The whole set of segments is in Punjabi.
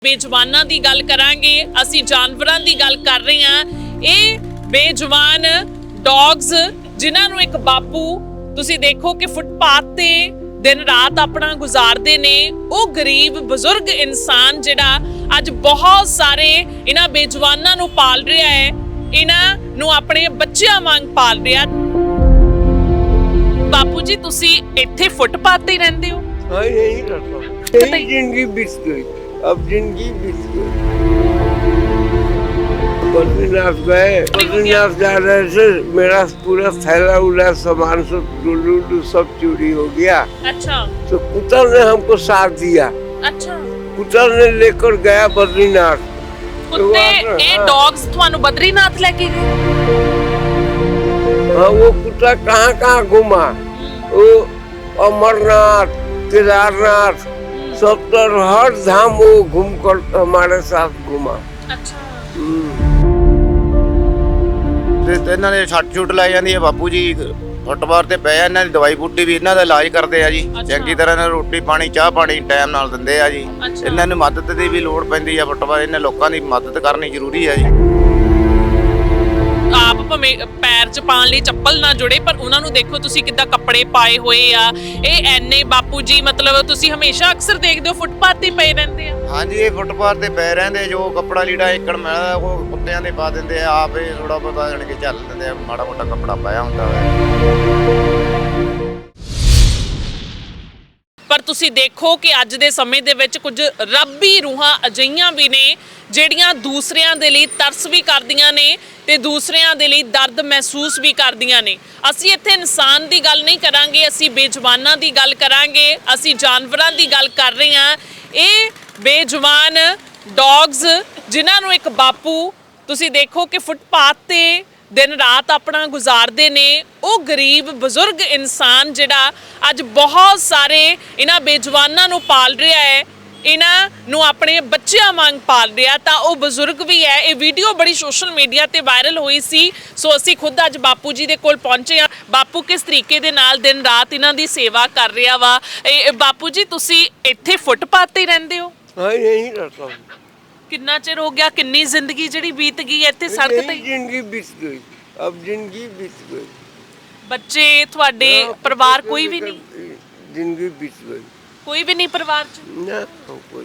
बेजुबानां दी गल करांगे, असीं जानवरां दी गल कर रहे हां। ये बेजुबान डॉग्स जिन्हां नूं एक बापू तुसीं देखो कि फुटपाथ ते दिन रात अपना गुजारदे ने। वो गरीब बजुर्ग इंसान जिहड़ा अज बहुत सारे इन्हां बेजुबानां नूं पाल रहा है, इन्हां नूं अपने बच्चियां वांग पाल रहा। बापू जी तुसीं इत्थे फुटपाथ ते रहिंदे हो? हाँ, यही रहता हूँ। यही जिंदगी बीत गई, अब जिंदगी बीत गई। बद्रीनाथ गए, बद्रीनाथ जा रहे थे, मेरा पूरा थैला उला सामान सब डुल्लू सब चोरी हो गया। अच्छा। तो कुतर ने हमको साथ दिया। अच्छा। कुतर ने लेकर गया बद्रीनाथ। कुत्ते ये डॉग्स थानू बद्रीनाथ लेके गए? हाँ, वो कुत्ता कहाँ कहाँ घुमा, वो अमरनाथ, केदारनाथ, सब तर हर धाम वो घूम कर हमारे साथ घुमा। अच्छा। ਤੇ ਇਹਨਾਂ ਦੇ ਛੱਟ ਛੁੱਟ ਲਾਈ ਜਾਂਦੀ ਹੈ। ਬਾਪੂ ਜੀ ਫੁੱਟਬਾਰ ਤੇ ਪਏ ਆ, ਇਹਨਾਂ ਦੀ ਦਵਾਈ ਬੂਟੀ ਵੀ ਇਹਨਾਂ ਦਾ ਇਲਾਜ ਕਰਦੇ ਆ ਜੀ। ਚੰਗੀ ਤਰ੍ਹਾਂ ਨਾਲ ਰੋਟੀ ਪਾਣੀ ਚਾਹ ਪਾਣੀ ਟਾਈਮ ਨਾਲ ਦਿੰਦੇ ਆ ਜੀ। ਇਹਨਾਂ ਨੂੰ ਮਦਦ ਦੀ ਵੀ ਲੋੜ ਪੈਂਦੀ ਆ। ਫੁੱਟਬਾਰ ਇਹਨਾਂ ਲੋਕਾਂ ਦੀ ਮਦਦ ਕਰਨੀ ਜ਼ਰੂਰੀ ਆ ਜੀ। आप भावें पैर च पाने लई चप्पल ना जुड़े, पर उन्होंने देखो तुसी किद्दां कपड़े पाए हुए आ। ये एने बापू जी मतलब तुसी हमेशा अक्सर देखते हो फुटपाथ ते पए रहंदे आ? हाँ जी, ये फुटपाथ ते पए रहंदे। जो कपड़ा लीड़ा एकड़ मिलदा ਉਹ ਕੁੱਤਿਆਂ ਦੇ ਪਾ ਦਿੰਦੇ ਆ। ਆਪ ਇਹ ਥੋੜਾ ਬਹੁਤਾ ਜਾਣ ਕੇ ਚੱਲ ਦਿੰਦੇ ਆ। ਮਾੜਾ ਮੋਟਾ ਕੱਪੜਾ ਪਾਇਆ ਹੁੰਦਾ ਹੈ। पर तुसी देखो कि अज दे समय दे विच कुछ रब्बी रूहां अजिहियां भी ने ਜਿਹੜੀਆਂ ਦੂਸਰਿਆਂ ਦੇ ਲਈ ਤਰਸ ਵੀ ਕਰਦੀਆਂ ਨੇ ਤੇ ਦੂਸਰਿਆਂ ਦੇ ਲਈ ਦਰਦ ਮਹਿਸੂਸ ਵੀ ਕਰਦੀਆਂ ਨੇ। ਅਸੀਂ ਇੱਥੇ ਇਨਸਾਨ ਦੀ ਗੱਲ ਨਹੀਂ ਕਰਾਂਗੇ, ਅਸੀਂ ਬੇਜ਼ੁਬਾਨਾਂ ਦੀ ਗੱਲ ਕਰਾਂਗੇ, ਅਸੀਂ ਜਾਨਵਰਾਂ ਦੀ ਗੱਲ ਕਰ ਰਹੇ ਹਾਂ। ਇਹ ਬੇਜ਼ੁਬਾਨ ਡੌਗਸ ਜਿਨ੍ਹਾਂ ਨੂੰ ਇੱਕ ਬਾਪੂ ਤੁਸੀਂ ਦੇਖੋ ਕਿ ਫੁੱਟਪਾਥ ਤੇ दिन रात अपना गुजारते ने। वो गरीब बजुर्ग इंसान जिहड़ा अज बहुत सारे इन्हां बेजुबानां नूं पाल रहा है, इन्हां नूं अपने बच्चियां वांग पाल रहा। तो वो बजुर्ग भी है। ये वीडियो बड़ी सोशल मीडिया ते वायरल हुई सी। सो असीं खुद अज बापू जी दे कोल पहुंचे हां। बापू किस तरीके दे नाल दिन रात इन्हां दी सेवा कर रहा वा। बापू जी तुसीं इत्थे फुटपाथ ते रहिंदे हो? हाँ, यही रहता हूँ। कितना चिर हो गया, किन्नी जिंदगी जिहड़ी बीत गई इत्थे सड़क ते? जिंदगी बीत गई, अब जिंदगी बीत गई। बच्चे तुहाडे परिवार कोई भी नहीं? जिंदगी बीत गई, कोई भी नहीं परिवार च? ना कोई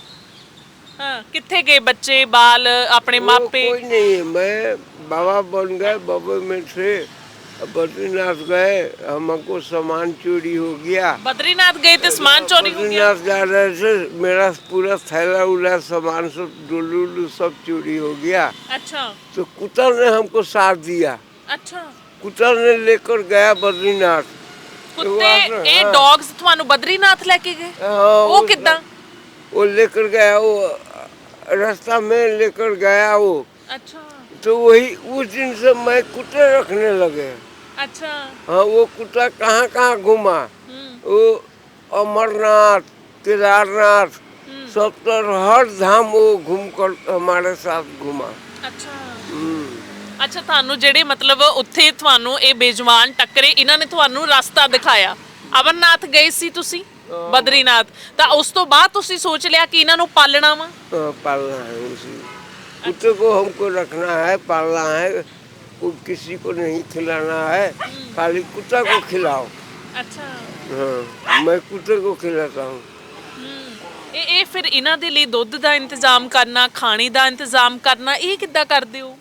नहीं। हाँ, कित्थे गए बच्चे बाल अपने मापे? कोई नहीं है। मैं बाबा बन गए, बाबा में से बद्रीनाथ गए, हमको सामान चोरी हो गया। बद्रीनाथ गए तो सामान चोरी हो गया? बद्रीनाथ जा रहे थे, मेरा पूरा थैला उला सामान सब डुल्लू सब चोरी हो गया। अच्छा। तो कुतर ने हमको साथ दिया। अच्छा। कुतर ने लेकर गया बद्रीनाथ। कुत्ते ये डॉग्स थानू बद्रीनाथ लेके गए? हाँ, वो किद्दां? वो लेकर गया, वो रास्ता में लेकर गया वो। अच्छा। तो वही उस दिन से मैं कुत्ते रखने लगे। अच्छा। हाँ, वो कुत्ता कहाँ कहाँ घुमा, वो अमरनाथ, केदारनाथ, सब तर हर धाम वो घूम कर हमारे साथ घुमा। अच्छा। अच्छा, थानू जेड़े मतलब उत्थे थानू ये बेजुबान टक्करे, इन्हां ने थानू रास्ता दिखाया। अमरनाथ गए सी तुसी, बद्रीनाथ, तो उस तो बाद तुसी सोच लिया कि इन्हां नू पालना वा? पालना है उसी कुत्ते को, हमको रखना है, पालना है। किसी को नहीं खिलाना है, खाली कुत्ता को खिलाओ। अच्छा। हाँ, मैं कुत्ते को खिलाता हूँ। ये फिर इन्हां दे लई दुੱਧ ਦਾ इंतजाम करना, खाने ਦਾ इंतजाम करना, ये किद्दां करदे हो?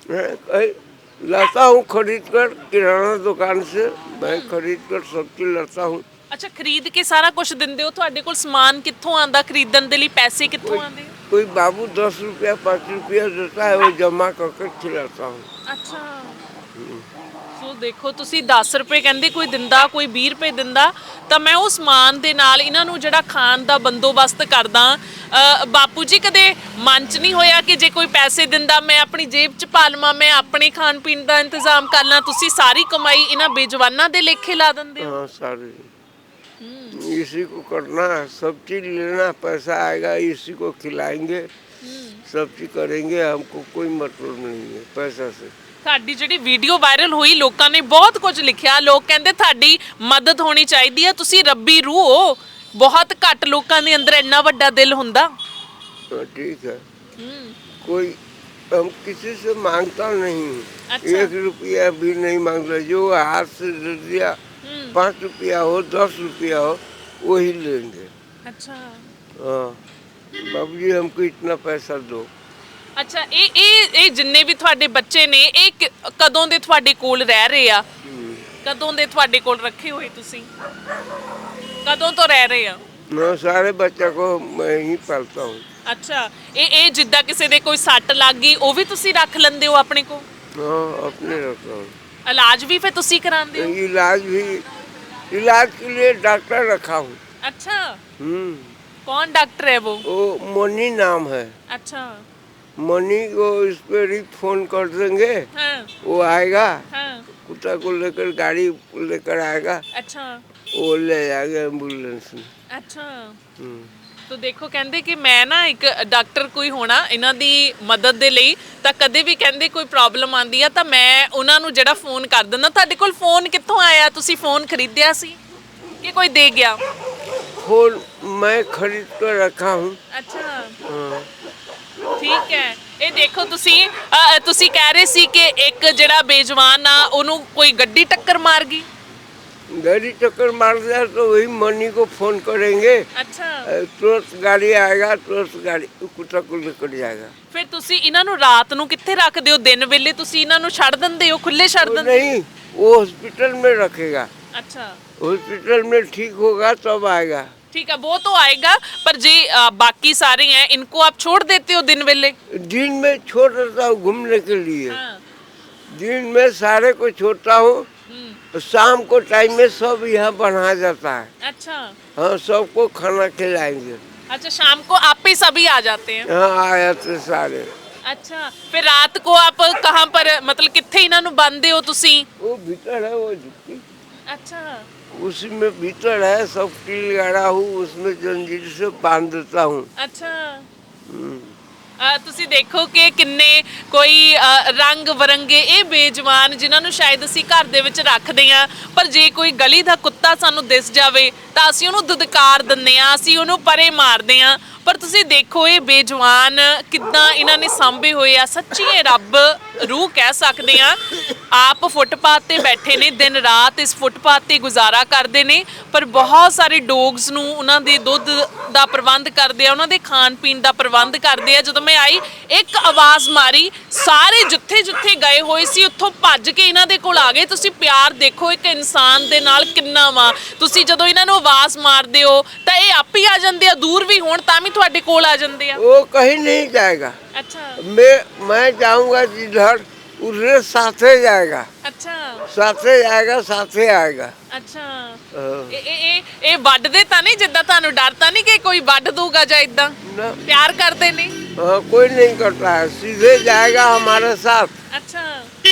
लाता हूँ खरीद कर किराना दुकान से, मैं खरीद कर सब चीज लाता हूँ। अच्छा, खरीद के सारा कुछ दिंदे हो? ਤੁਹਾਡੇ ਕੋਲ ਸਮਾਨ ਕਿੱਥੋਂ ਆਂਦਾ ਖਰੀਦਣ ਦੇ ਲਈ? ਪੈਸੇ ਕਿੱਥੋਂ ਆਂਦੇ? कोई बाबू 10 रुपया 5 रुपया देता है, वो जमा करके खिलाता हूँ। अच्छा। ਸੋ ਦੇਖੋ ਤੁਸੀਂ 10 ਰੁਪਏ ਕਹਿੰਦੇ ਕੋਈ ਦਿੰਦਾ, ਕੋਈ 20 ਰੁਪਏ ਦਿੰਦਾ, ਤਾਂ ਮੈਂ ਉਹ ਸਮਾਨ ਦੇ ਨਾਲ ਇਹਨਾਂ ਨੂੰ ਜਿਹੜਾ ਖਾਣ ਦਾ ਬੰਦੋਬਸਤ ਕਰਦਾ। ਬਾਪੂ ਜੀ ਕਦੇ ਮਨ 'ਚ ਨਹੀਂ ਹੋਇਆ ਕਿ ਜੇ ਕੋਈ ਪੈਸੇ ਦਿੰਦਾ ਮੈਂ ਆਪਣੀ ਜੇਬ 'ਚ ਪਾ ਲਵਾਂ, ਮੈਂ ਆਪਣੇ ਖਾਣ ਪੀਣ ਦਾ ਇੰਤਜ਼ਾਮ ਕਰ ਲਾਂ? ਤੁਸੀਂ ਸਾਰੀ ਕਮਾਈ ਇਹਨਾਂ ਬੇਜਵਾਨਾਂ ਦੇ ਲੇਖੇ ਲਾ ਦਿੰਦੇ ਹੋ? हाँ, सारी इसी को करना, सब चीज लेना, पैसा आएगा इसी को खिलाएंगे, सब चीज करेंगे। हमको कोई मतलब नहीं है पैसा से। ਤੁਹਾਡੀ ਜਿਹੜੀ ਵੀਡੀਓ ਵਾਇਰਲ ਹੋਈ, ਲੋਕਾਂ ਨੇ ਬਹੁਤ ਕੁਝ ਲਿਖਿਆ। ਲੋਕ ਕਹਿੰਦੇ ਤੁਹਾਡੀ ਮਦਦ ਹੋਣੀ ਚਾਹੀਦੀ ਹੈ, ਤੁਸੀਂ ਰੱਬੀ ਰੂਹ ਹੋ। ਬਹੁਤ ਘੱਟ ਲੋਕਾਂ ਦੇ ਅੰਦਰ ਇੰਨਾ ਵੱਡਾ ਦਿਲ ਹੁੰਦਾ। ठीक है। हम्म, कोई हम किसी से मांगता नहीं हूँ। अच्छा। 1 रुपया भी नहीं मांगता, जो हाथ से दे दिया, 5 रुपया हो 10 रुपया हो वही लेंगे। अच्छा हाँ, बाबूजी हमको इतना पैसा दो। ਅੱਛਾ ਇਹ ਜਿੰਨੇ ਵੀ ਤੁਹਾਡੇ ਬੱਚੇ ਨੇ ਇਹ ਕਦੋਂ ਦੇ ਤੁਹਾਡੇ ਕੋਲ ਰਹਿ ਰਹੇ ਆ? ਕਦੋਂ ਦੇ ਤੁਹਾਡੇ ਕੋਲ ਰੱਖੇ ਹੋਏ ਤੁਸੀਂ? ਕਦੋਂ ਤੋਂ ਰਹਿ ਰਹੇ ਆ? मैं सारे बच्चा को मैं ही पालता हूँ। ਅੱਛਾ ਇਹ ਜਿੱਦਾਂ ਕਿਸੇ ਦੇ ਕੋਈ ਸੱਟ ਲੱਗ ਗਈ ਉਹ ਵੀ ਤੁਸੀਂ ਰੱਖ ਲੈਂਦੇ ਹੋ ਆਪਣੇ ਕੋਲ? हाँ, अपने रखता हूँ। ਇਲਾਜ ਵੀ ਫਿਰ ਤੁਸੀਂ ਕਰਾਉਂਦੇ ਹੋ? इलाज के लिए डॉक्टर रखा हूँ। अच्छा हम्म, कौन डॉक्टर है वो? मनी नाम है। अच्छा मनी को इस पर ही फोन कर देंगे, हाँ वो आएगा, हाँ कुत्ता को लेकर गाड़ी लेकर आएगा, अच्छा वो ले जाएगा एम्बुलेंस में। अच्छा हम्म। ਤੋ ਦੇਖੋ ਕਹਿੰਦੇ ਕਿ ਮੈਂ ਨਾ ਇੱਕ ਡਾਕਟਰ ਕੋਈ ਹੋਣਾ ਇਹਨਾਂ ਦੀ ਮਦਦ ਦੇ ਲਈ ਤਾਂ ਕਦੇ ਵੀ ਕਹਿੰਦੇ ਕੋਈ ਪ੍ਰੋਬਲਮ ਆਂਦੀ ਆ ਤਾਂ ਮੈਂ ਉਹਨਾਂ ਨੂੰ ਜਿਹੜਾ ਫੋਨ ਕਰ ਦਿੰਦਾ। ਤੁਹਾਡੇ ਕੋਲ ਫੋਨ ਕਿੱਥੋਂ ਆਇਆ? ਤੁਸੀਂ ਫੋਨ ਖਰੀਦਿਆ ਸੀ ਕਿ ਕੋਈ ਦੇ ਗਿਆ? फोन मैं खरीद कर रखा हूँ। ਅੱਛਾ हाँ। ਠੀਕ ਹੈ। ਇਹ ਦੇਖੋ ਤੁਸੀਂ ਕਹਿ ਰਹੇ ਸੀ ਕਿ ਇੱਕ ਜਿਹੜਾ ਬੇਜਵਾਨ ਆ ਉਹਨੂੰ ਕੋਈ ਗੱਡੀ ਟੱਕਰ ਮਾਰ ਗਈ। गाड़ी टक्कर मार दिया तो वही मनी को फोन करेंगे, ਅੱਛਾ तुरंत गाड़ी आएगा, तुरंत गाड़ी कुत्ता को लेकर जाएगा। ਫਿਰ ਤੁਸੀਂ ਇਹਨਾਂ ਨੂੰ ਰਾਤ ਨੂੰ ਕਿੱਥੇ ਰੱਖਦੇ ਹੋ? ਦਿਨ ਵੇਲੇ ਤੁਸੀਂ ਇਹਨਾਂ ਨੂੰ ਛੱਡ ਦਿੰਦੇ ਹੋ, ਖੁੱਲੇ ਛੱਡ वो ਦਿੰਦੇ? नहीं, वो हॉस्पिटल में रखेगा। अच्छा हॉस्पिटल में ठीक होगा तब आएगा। ठीक है वो तो आएगा पर जी बाकी सारे हैं इनको आप छोड़ देते हो दिन वेले? दिन में छोड़ देता हूँ घूमने के लिए। हाँ। दिन में सारे को छोड़ता हूँ, शाम को टाइम में सब यहाँ बना जाता है। अच्छा हाँ, सबको खाना खिलाएंगे। अच्छा शाम को आप ही सभी आ जाते हैं? हाँ, आया थे सारे। अच्छा फिर रात को आप कहाँ पर मतलब कितने इन्हां नु बांधते हो तुसी? वो भीतर है, वो झुक्की अच्छा उसी में भीतर है, सब कील गाड़ा हूँ, उसमें जंजीर से बांध देता हूँ। अच्छा हम्म। ਤੁਸੀਂ ਦੇਖੋ ਕਿ ਕਿੰਨੇ ਕੋਈ ਰੰਗ ਬਰੰਗੇ ਇਹ ਬੇਜਵਾਨ ਜਿਨ੍ਹਾਂ ਨੂੰ ਸ਼ਾਇਦ ਅਸੀਂ ਘਰ ਦੇ ਵਿੱਚ ਰੱਖਦੇ ਆ ਪਰ ਜੇ ਕੋਈ ਗਲੀ ਦਾ ਕੁੱਤਾ ਸਾਨੂੰ ਦਿਸ ਜਾਵੇ ਤਾਂ ਅਸੀਂ ਉਹਨੂੰ ਦੁਦਕਾਰ ਦਿੰਦੇ ਆ, ਅਸੀਂ ਉਹਨੂੰ ਪਰੇ ਮਾਰਦੇ ਆ। ਪਰ ਤੁਸੀਂ ਦੇਖੋ ਇਹ ਬੇਜਵਾਨ ਕਿੱਦਾਂ ਇਹਨਾਂ ਨੇ ਸਾਂਭੇ ਹੋਏ ਆ। ਸੱਚੀ ਇਹ ਰੱਬ ਰੂਹ ਕਹਿ ਸਕਦੇ ਆ। ਆਪ ਫੁੱਟਪਾਥ ਤੇ ਬੈਠੇ ਨੇ, ਦਿਨ ਰਾਤ ਇਸ ਫੁੱਟਪਾਥ ਤੇ ਗੁਜ਼ਾਰਾ ਕਰਦੇ ਨੇ ਪਰ ਬਹੁਤ ਸਾਰੇ ਡੌਗਸ ਨੂੰ ਉਹਨਾਂ ਦੇ ਦੁੱਧ ਦਾ ਪ੍ਰਬੰਧ ਕਰਦੇ ਆ, ਉਹਨਾਂ ਦੇ ਖਾਣ ਪੀਣ ਦਾ ਪ੍ਰਬੰਧ ਕਰਦੇ ਆ। ਜਦੋਂ ਮੈਂ ਆਈ ਇੱਕ ਆਵਾਜ਼ ਮਾਰੀ, ਸਾਰੇ ਜਿੱਥੇ ਜਿੱਥੇ ਗਏ ਹੋਏ ਸੀ ਉੱਥੋਂ ਭੱਜ ਕੇ ਇਹਨਾਂ ਦੇ ਕੋਲ ਆ ਗਏ। ਤੁਸੀਂ ਪਿਆਰ ਦੇਖੋ ਇੱਕ ਇਨਸਾਨ ਦੇ ਨਾਲ ਕਿੰਨਾ ਵਾ। ਤੁਸੀਂ ਜਦੋਂ ਇਹਨਾਂ ਨੂੰ ਆਵਾਜ਼ ਮਾਰਦੇ ਹੋ ਤਾਂ ਇਹ ਆਪ ਹੀ ਆ ਜਾਂਦੇ ਆ, ਦੂਰ ਵੀ ਹੋਣ ਤਾਂ ਵੀ ਤੁਹਾਡੇ ਕੋਲ ਆ ਜਾਂਦੇ ਆ। वो कहीं नहीं जाएगा। अच्छा मैं जाऊंगा जिधर, उधर साथे जाएगा, अच्छा साथे जाएगा, साथे आएगा। अच्छा हाँ। ਇਹ ਵੱਢਦੇ ਤਾਂ ਨਹੀਂ? ਜਿੱਦਾਂ ਤੁਹਾਨੂੰ ਡਰ ਤਾਂ ਨਹੀਂ ਕਿ ਕੋਈ ਵੱਢ ਦੂਗਾ ਜਾਂ ਇਦਾਂ? ना, ਪਿਆਰ ਕਰਦੇ ਨੇ? हाँ, कोई नहीं करता है, सीधे जाएगा हमारे साथ। अच्छा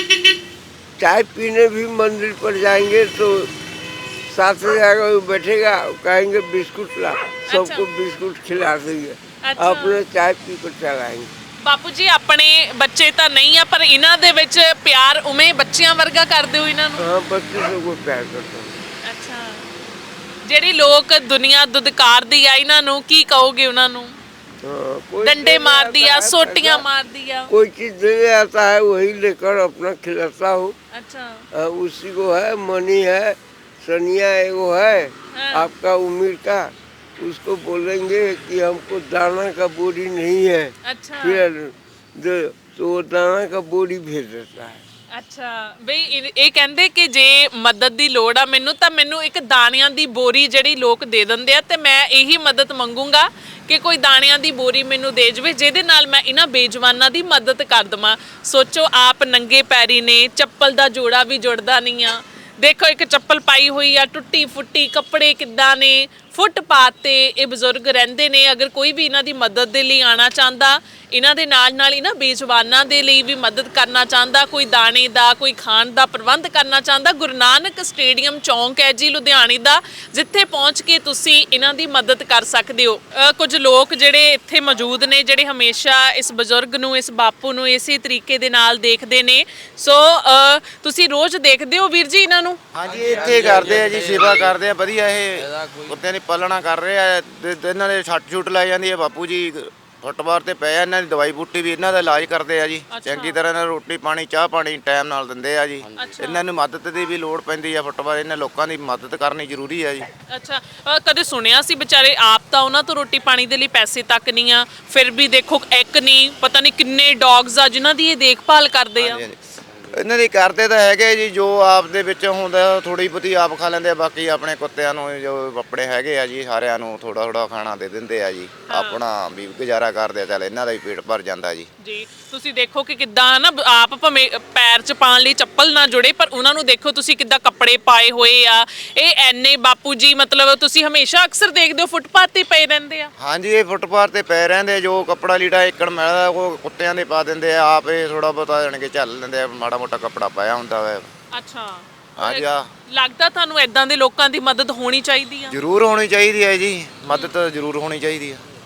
चाय पीने भी मंदिर पर जाएंगे तो साथ में जाएगा, वो बैठेगा, कहेंगे बिस्कुट ला, सबको बिस्कुट खिला देंगे, अच्छा। अपने चाय पी कर चलाएंगे। ਬਾਪੂ ਜੀ ਆਪਣੇ ਬੱਚੇ ਤਾਂ ਨਹੀਂ ਆ ਪਰ ਇਹਨਾਂ ਦੇ ਵਿੱਚ ਪਿਆਰ ਉਵੇਂ ਬੱਚਿਆਂ ਵਰਗਾ ਕਰਦੇ ਹੋ ਇਹਨਾਂ ਨੂੰ? हाँ, बच्चे सबको प्यार करते हैं। ਅੱਛਾ ਜਿਹੜੀ ਲੋਕ ਦੁਨੀਆ ਦੁਦਕਾਰਦੀ ਆ ਇਹਨਾਂ ਨੂੰ ਕੀ ਕਹੋਗੇ ਉਹਨਾਂ ਨੂੰ? हाँ, कोई ਡੰਡੇ देने ਮਾਰਦੀ आता ਆ, है ਸੋਟੀਆਂ पैसा, ਮਾਰਦੀ ਆ? कोई चीज देने आता है वही लेकर अपना खिलाता हूँ। ਅੱਛਾ उसी को है, मनी है, सनिया एगो है, हाँ। आपका उम्र का, उसको बोलेंगे कि हमको दाना का बोरी नहीं है, ਅੱਛਾ फिर तो वो दाना का बोरी भेज देता है। ਅੱਛਾ ਬਈ ਇਹ ਕਹਿੰਦੇ ਕਿ ਜੇ ਮਦਦ ਦੀ ਲੋੜ ਆ ਮੈਨੂੰ ਤਾਂ ਮੈਨੂੰ ਇੱਕ ਦਾਣਿਆਂ ਦੀ ਬੋਰੀ ਜਿਹੜੀ ਲੋਕ ਦੇ ਦਿੰਦੇ ਆ ਤੇ ਮੈਂ ਇਹੀ ਮਦਦ ਮੰਗੂੰਗਾ ਕਿ ਕੋਈ ਦਾਣਿਆਂ ਦੀ ਬੋਰੀ ਮੈਨੂੰ ਦੇ ਜਵੇ ਜਿਹਦੇ ਨਾਲ ਮੈਂ ਇਹਨਾਂ ਬੇਜਵਾਨਾਂ ਦੀ ਮਦਦ ਕਰ ਦਵਾਂ। ਸੋਚੋ ਆਪ ਨੰਗੇ ਪੈਰੀ ਨੇ, ਚੱਪਲ ਦਾ ਜੋੜਾ ਵੀ ਜੁੜਦਾ ਨਹੀਂ ਆ। ਦੇਖੋ ਇੱਕ ਚੱਪਲ ਪਾਈ ਹੋਈ ਆ, ਟੁੱਟੀ ਫੁੱਟੀ, ਕੱਪੜੇ ਕਿੱਦਾਂ ਨੇ। ਫੁੱਟਪਾਥ ਤੇ ਇਹ ਬਜ਼ੁਰਗ ਰਹਿੰਦੇ ਨੇ। ਅਗਰ ਕੋਈ ਵੀ ਇਹਨਾਂ ਦੀ ਮਦਦ ਦੇ ਲਈ ਆਉਣਾ ਚਾਹੁੰਦਾ, ਇਹਨਾਂ ਦੇ ਨਾਲ ਇਹਨਾਂ ਬੇਜਵਾਨਾਂ ਦੇ ਲਈ ਵੀ ਮਦਦ ਕਰਨਾ ਚਾਹੁੰਦਾ, ਕੋਈ ਦਾਣੇ ਦਾ, ਕੋਈ ਖਾਣ ਦਾ ਪ੍ਰਬੰਧ ਕਰਨਾ ਚਾਹੁੰਦਾ, ਗੁਰੂ ਨਾਨਕ ਸਟੇਡੀਅਮ ਚੌਂਕ ਹੈ ਜੀ ਲੁਧਿਆਣੇ ਦਾ, ਜਿੱਥੇ ਪਹੁੰਚ ਕੇ ਤੁਸੀਂ ਇਹਨਾਂ ਦੀ ਮਦਦ ਕਰ ਸਕਦੇ ਹੋ। ਕੁਝ ਲੋਕ ਜਿਹੜੇ ਇੱਥੇ ਮੌਜੂਦ ਨੇ ਜਿਹੜੇ ਹਮੇਸ਼ਾ ਇਸ ਬਜ਼ੁਰਗ ਨੂੰ, ਇਸ ਬਾਪੂ ਨੂੰ ਇਸੇ ਤਰੀਕੇ ਦੇ ਨਾਲ ਦੇਖਦੇ ਨੇ। ਸੋ ਤੁਸੀਂ ਰੋਜ਼ ਦੇਖਦੇ ਹੋ ਵੀਰ ਜੀ ਇਹਨਾਂ ਨੂੰ? ਹਾਂਜੀ ਇੱਥੇ ਕਰਦੇ ਆ ਜੀ, ਸੇਵਾ ਕਰਦੇ ਆ ਵਧੀਆ। ਇਹ ਕੁੱਤਿਆਂ ਦੀ ਪਾਲਣਾ ਕਰ ਰਹੇ ਆ ਤੇ ਇਹਨਾਂ ਦੇ ਛੱਟ ਛੁੱਟ ਲਾਈ ਜਾਂਦੀ ਹੈ। ਬਾਪੂ ਜੀ ਫੁੱਟਬਾਰ ਤੇ ਪਏ ਆ, ਇਹਨਾਂ ਦੀ ਦਵਾਈ ਬੂਟੀ ਵੀ ਇਹਨਾਂ ਦਾ ਇਲਾਜ ਕਰਦੇ ਆ ਜੀ। ਚੰਗੀ ਤਰ੍ਹਾਂ ਨਾਲ ਰੋਟੀ ਪਾਣੀ ਚਾਹ ਪਾਣੀ ਟਾਈਮ ਨਾਲ ਦਿੰਦੇ ਆ ਜੀ। ਇਹਨਾਂ ਨੂੰ ਮਦਦ ਦੀ ਵੀ ਲੋੜ ਪੈਂਦੀ ਆ। ਫੁੱਟਬਾਰ ਇਹਨਾਂ ਲੋਕਾਂ ਦੀ ਮਦਦ ਕਰਨੀ ਜ਼ਰੂਰੀ ਆ ਜੀ। ਅੱਛਾ ਕਦੇ ਸੁਣਿਆ ਸੀ ਵਿਚਾਰੇ ਆਪ ਤਾਂ ਉਹਨਾਂ ਤੋਂ ਰੋਟੀ ਪਾਣੀ ਦੇ ਲਈ ਪੈਸੇ ਤੱਕ ਨਹੀਂ ਆ, ਫਿਰ ਵੀ ਦੇਖੋ ਇੱਕ ਨਹੀਂ ਪਤਾ ਨਹੀਂ ਕਿੰਨੇ ਡੌਗਸ ਆ ਜਿਨ੍ਹਾਂ ਦੀ ਇਹ ਦੇਖਭਾਲ ਕਰਦੇ ਆ। ਇਹਨਾਂ ਦੀ ਕਰਦੇ ਤਾਂ ਹੈਗੇ ਜੀ, ਜੋ ਆਪ ਦੇ ਵਿੱਚ ਹੁੰਦਾ ਥੋੜੀ ਬਹੁਤੀ ਆਪ ਖਾ ਲੈਂਦੇ ਆ, ਬਾਕੀ ਆਪਣੇ ਕੁੱਤਿਆਂ ਨੂੰ ਜੋ ਆਪਣੇ ਹੈਗੇ ਆ ਜੀ ਸਾਰਿਆਂ ਨੂੰ ਥੋੜਾ ਥੋੜਾ ਖਾਣਾ ਦੇ ਦਿੰਦੇ ਆ ਜੀ। ਆਪਣਾ ਵੀ ਗੁਜ਼ਾਰਾ ਕਰਦੇ ਆ, ਚੱਲ ਇਹਨਾਂ ਦਾ ਵੀ ਪੇਟ ਭਰ ਜਾਂਦਾ ਜੀ। ਜੀ ਤੁਸੀਂ ਦੇਖੋ ਕਿ ਕਿੱਦਾਂ ਨਾ ਆਪ ਭਾਵੇਂ ਪੈਰ 'ਚ ਪਾਉਣ ਲਈ ਚੱਪਲ ਨਾ ਜੁੜੇ ਪਰ ਉਹਨਾਂ ਨੂੰ ਦੇਖੋ ਤੁਸੀਂ ਕਿੱਦਾਂ ਕੱਪੜੇ ਪਾਏ ਹੋਏ ਆ। ਇਹ ਐਨੇ ਬਾਪੂ ਜੀ ਮਤਲਬ ਤੁਸੀਂ ਹਮੇਸ਼ਾ ਅਕਸਰ ਦੇਖਦੇ ਹੋ ਫੁੱਟਪਾਥ ਤੇ ਪਏ ਰਹਿੰਦੇ ਆ। ਹਾਂਜੀ ਇਹ ਫੁੱਟਪਾਥ ਤੇ ਪਏ ਰਹਿੰਦੇ, ਜੋ ਕੱਪੜਾ ਲੀੜਾ ਏਕੜ ਮਿਲਦਾ ਉਹ ਕੁੱਤਿਆਂ ਦੇ ਪਾ ਦਿੰਦੇ ਆ। ਆਪ ਇਹ ਥੋੜਾ ਬਹੁਤਾ ਜਾਣ ਕੇ ਝੱਲ ਲੈਂਦੇ ਆ, ਮਾੜਾ ਮੋਟਾ ਕੱਪੜਾ ਪਾਇਆ ਹੁੰਦਾ ਵਾ। ਅੱਛਾ ਹਾਂਜੀ ਆ ਲੱਗਦਾ ਤੁਹਾਨੂੰ ਐਦਾਂ ਦੇ ਲੋਕਾਂ ਦੀ ਮਦਦ ਹੋਣੀ ਚਾਹੀਦੀ ਆ। ਜ਼ਰੂਰ ਹੋਣੀ ਚਾਹੀਦੀ ਹੈ ਜੀ, ਮਦਦ ਜ਼ਰੂਰ ਹੋਣੀ ਚਾਹੀਦੀ ਆ।